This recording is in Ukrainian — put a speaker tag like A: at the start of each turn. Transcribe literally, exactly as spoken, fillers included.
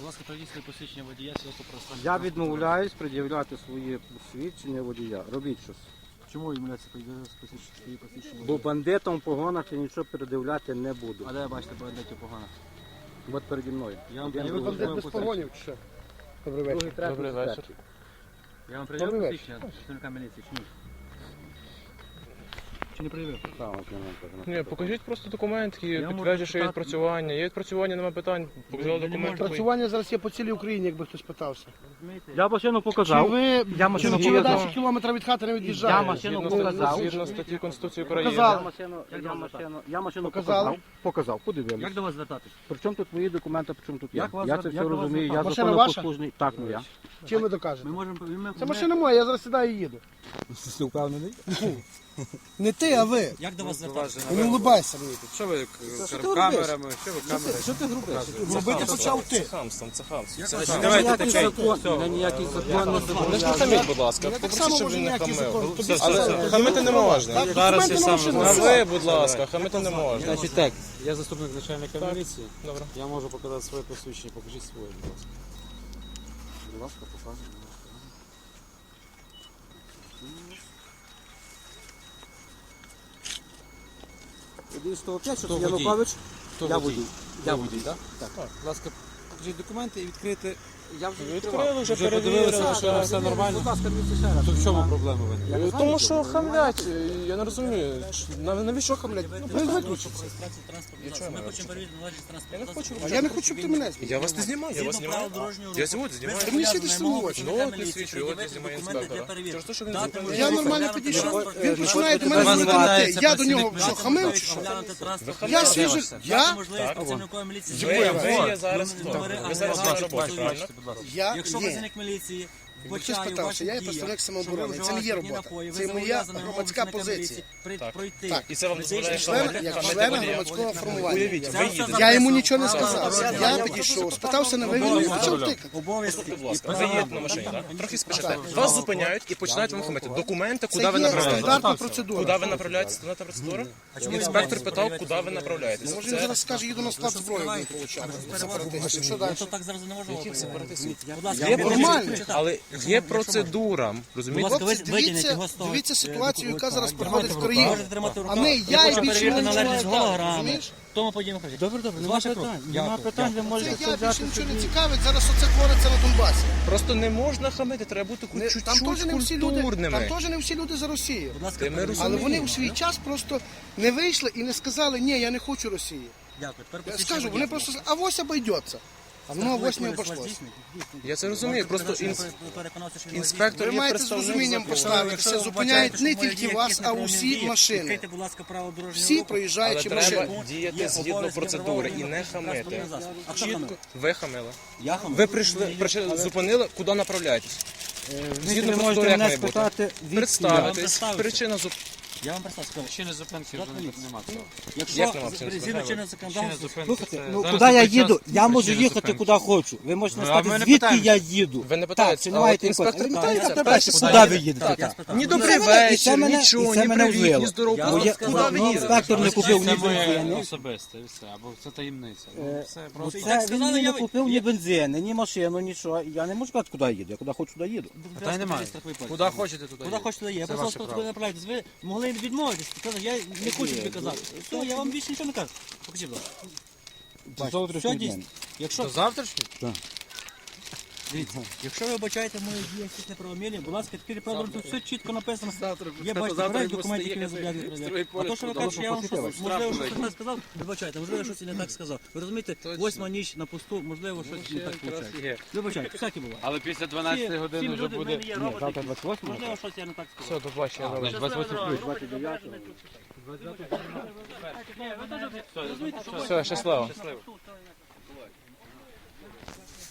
A: Будь ласка, пройдіть своє посвідчення водія свідоцтво про стан.
B: Я відмовляюсь пред'являти свої посвідчення водія. Робіть щось.
A: Чому відмовляється посвідчення свої посвідчення
B: Бо
A: водія?
B: бандитам в погонах я нічого передивляти не буду.
A: А де бачите бандитів погано?
B: От переді мною.
A: Я вам
B: Один,
A: пред'явив
B: другий.
A: службове
C: Без погонів чи що? Добрий
B: Другий,
C: вечір.
B: третій,
C: Добрий вечір.
B: четвертий.
A: Я вам пред'явив
C: Добрий
A: посвідчення працівника міліції, чи ні? Чи не пред'явив?
B: Там, от я вам кажу.
D: Ні, покажіть просто документ, який
A: Я можу
D: підтверджує, що є
A: показати.
D: відпрацювання. Є відпрацювання, немає питань. Показали
A: Ви не
D: документ.
A: можете.
C: Працювання зараз є по цілій Україні, якби хтось питався.
A: Розумієте?
B: Я машину
C: Чи
B: показав.
C: ви,
B: Я
C: чи
B: машину
C: ви чи ви
B: показав.
C: далі кілометра від хати не від'їжджаєте?
B: Я машину
D: Згідно,
B: показав.
D: згідно статті Конституції України.
C: Показали.
B: Я машину, я машину, я машину
C: Показали?
B: показав. Показав, подивилися.
A: Як до вас звертатись?
B: При чому тут твої документи, при чому тут я?
A: Як вас
B: Я
A: звер-
B: це все
A: як до вас
B: розумію, я
A: звертатися?
C: Машина
B: законопослужний. Так, моя.
C: Чим ви докажете?
A: Ми можемо... Ми,
C: Це
A: ми-
C: машина моя, я зараз сідаю і їду.
B: Ти впевнений?
C: Не ти, а ви.
A: Як до вас звертатися?
C: Не улыбайся мені тут.
E: Що ви
C: Що ти
E: камерами? Що ви камерами?
C: Що ти грубиш? Робити почав ти.
D: Це хамство, це хамство.
E: Давайте таке.
B: Я ніякий закон не
D: Не
B: забороняю.
D: хаміть, будь ласка.
C: так
D: Попросіть,
C: само
D: щоб
C: можу
D: він не
C: ніякий закон.
D: хамив.
C: Тобі
D: Але
C: все.
D: хамити не можна.
C: Так,
E: Зараз
C: документи
E: я
C: на
E: сам
C: машину.
D: А ви, будь ласка, хамити не можна.
E: Значить так, я заступник начальника міліції.
D: Добре.
E: Я можу показати своє посвідчення. Покажіть своє, будь ласка.
B: Будь ласка, показуй. Один сто п'ять, що
E: Хто
B: це
E: водій?
B: Янукович?
E: Хто
B: Я
E: водій?
B: водій.
E: Я водій, так? Так. Будь ласка, покажіть документи і відкрити.
B: Я вже
D: Відкрили, вже
E: Вже подивилися,
D: перевірили.
E: що все нормально.
B: Будь ласка, дивіться ще раз.
E: То в чому проблема виникла?
D: Тому що хамлять, я не розумію. Нав- Навіщо хамлять?
C: Ви виключите.
D: Я чого
A: Ми
D: не
A: хочемо перевірити належність
D: Я не
A: транспорту.
D: хочу.
C: А я не хочу, щоб ти мене.
D: Я вас не знімаю, я вас знімаю. Я сьогодні знімаю.
C: Ти мені світиш цілу очі.
D: Ну, от не свідчу, от я знімаю інспектора. Через те, що він зупинив.
C: Я нормально підійшов, він починає до мене звертати. Я до нього що, хамив чи що? Я свіжий. Я?
A: Можливість працівникової міліції.
D: Ви,
A: зупинити
D: ви є зараз хто?
A: номери
D: Ви зараз на
A: агрегатів,
D: роботі, правильно?
C: Я?
A: Якщо
C: Ні.
A: працівник міліції
C: Ви хтось
A: вбачає у
C: питався,
A: ваших
C: я є
A: діях,
C: представник
A: що
C: самооборони,
A: ви
C: це не є
A: вживаєте
C: робота.
A: напої, ви
C: Це моя
A: зобов'язані
C: громадська
A: вимогами
C: позиція.
A: міліції при-
D: Так.
A: пройти.
C: Так.
D: І це вам дозволяє
C: Член,
D: хамити?
C: як
D: Хамити
C: члена
D: водія?
C: громадського формування.
D: Уявіть, ви їдете.
C: Я йому нічого не сказав. Я підійшов, спитався на ви, він мені почав тикати.
A: Обов'язки.
D: Будь ласка, ви їдете на машині, так? Трохи спішите. Вас зупиняють і починають вам хамити. Документи, куди
C: Це
D: ви
C: є
D: направляєтесь?
C: стандартна процедура.
D: Куди ви направляєтесь? Стандартна процедура? Інспектор питав, куди ви направляєтесь.
C: Може він зараз скаже, їду на склад зброї, він получав. Сепаратистів. Що далі?
A: То так зараз не можна. Будь
D: Є
A: ласка,
D: процедура,
C: Нормально.
D: але є процедура, розумієте?
C: Хлопці, дивіться, дивіться ситуацію, яка зараз проходить в країні.
A: Можете тримати в
C: А
A: руках.
C: не я і
A: Хочу
C: більше
A: перевірити
C: нічого
A: належність
C: не дам,
A: голограми.
C: розумієш?
A: Тому подіємо. Добре, добре,
B: Нема питань, нема питань, ви
C: Це
B: можете
C: я
B: взяти
C: більше нічого не
B: собі.
C: цікавить, зараз оце твориться на Донбасі.
D: Просто не можна хамити, треба бути
C: Не-
D: хоч
C: Там теж
D: чуть-чуть
C: не всі люди, там
D: культурними.
C: теж не всі люди за Росію.
A: Будь ласка,
D: Ми
A: перевірте.
C: Але
D: розуміємо.
C: вони у свій час просто не вийшли і не сказали, ні, я не хочу Росії.
A: Дякую. Тепер
C: Я
A: посвідчення
C: скажу, вони
A: водія.
C: просто сказали, а ось обійдеться. А воно ось не обійшлося.
D: Я це розумію, просто інс-
A: Переконався, що він
D: інспектор
C: Ви
D: є
C: маєте з
D: представник
C: розумінням
D: закону.
C: поставитися, зупиняють не тільки вас, а усі машини.
A: Відкрийте, будь ласка, право дорожнього
C: Всі
A: руху.
D: Але
C: проїжджаючі
D: треба
C: машини.
D: діяти
A: Є
D: згідно
A: обов'язки
D: процедури і
A: встановлені
D: не хамити.
A: транспортним засобом. А хто
D: Чітко
A: хамив?
D: ви хамили.
A: Я хамив.
D: Ви прийшли, прийшли зупинили, куди направляєтесь? Згідно
B: Ви
D: процедури,
B: можете
D: як
B: мене
D: має бути?
B: спитати, відки я.
D: Представитись,
A: представився.
D: причина зуп...
A: Я вам представив. сказав.
E: Причини зупинки вже не- нема цього.
A: Якщо
D: Як нема причини
A: згідно чинного законодавства,
E: Причини зупинки
B: Слухайте,
E: це-
B: ну
E: зараз
B: куди я
E: такий час
B: їду? Я можу
E: причини
B: їхати
E: зупинки.
B: куди хочу. Ви можете
E: Ну, а
B: сказати,
E: ми не
B: звідки
E: питаємо.
B: я їду.
D: Ви не
B: Так,
D: питаєте,
B: чи
D: а
B: немає
D: от
B: тих
D: інспектор
B: питань?
D: питає,
B: Так,
D: це
B: так,
D: перше,
B: так,
D: куди
B: куди ви
D: їдете?
B: їдете?
A: я
B: Так.
A: спитав.
D: Ні
B: І
D: добрий
B: це мене- і це
D: вечір,
B: мене-
D: нічого,
B: і це
D: ні
B: мене
D: привіт, ні
B: ввело.
D: здоров.
A: Я
B: Бо
D: Просто
B: я-
D: куди
B: бо
D: ви
B: мій
D: їдете?
B: інспектор не купив ні
E: Це моє
B: бензину.
E: особисте, і все, або це таємниця.
B: Е,
E: Ну, Це
B: Бо
E: просто...
B: це
A: так
B: він
A: сказали,
B: мені
A: я
B: не
A: ви-
B: купив ні бензину, ні машину, нічого. Я не можу сказати, куди я їду. Я куди хочу, туди їду.
E: Та й немає. Куди хочете, туди
A: Куди
E: їдете.
A: хочете, є. Я
E: Це
A: просто
E: ваше
A: сказав,
E: право.
A: куди направляєтесь. Ви могли відмовитись. Сказати, я не хочу тобі казати. Все, я вам більше нічого не кажу. Покажіть, будь ласка.
B: Це
A: Все
B: завтрашній
A: дійсно.
B: день.
A: Якщо,
E: До завтрашнього?
A: дивіться, якщо ви бачаєте мої дії якісь неправомірні, будь ласка, тепер правда, тут все чітко написано. Є, бачите, перелік документів, які не зобов'язані перевіряти. А то, що ви кажете, що я вам щось, можливо, щось не так сказав, вибачайте, можливо, щось і не так сказав. Ви розумієте, восьма ніч на посту, можливо, щось не так виходить. Вибачайте, всякі буває.
E: Але після дванадцятої
A: Всі
E: години вже
A: люди в
E: буде...
A: мене є роботи.
B: Завтра двадцять восьмого?
A: Можливо, щось я не так сказав.
D: Все, до побачення, добре.
E: двадцять восьмого
B: двадцять дев'ятого.
D: Все, щасливо.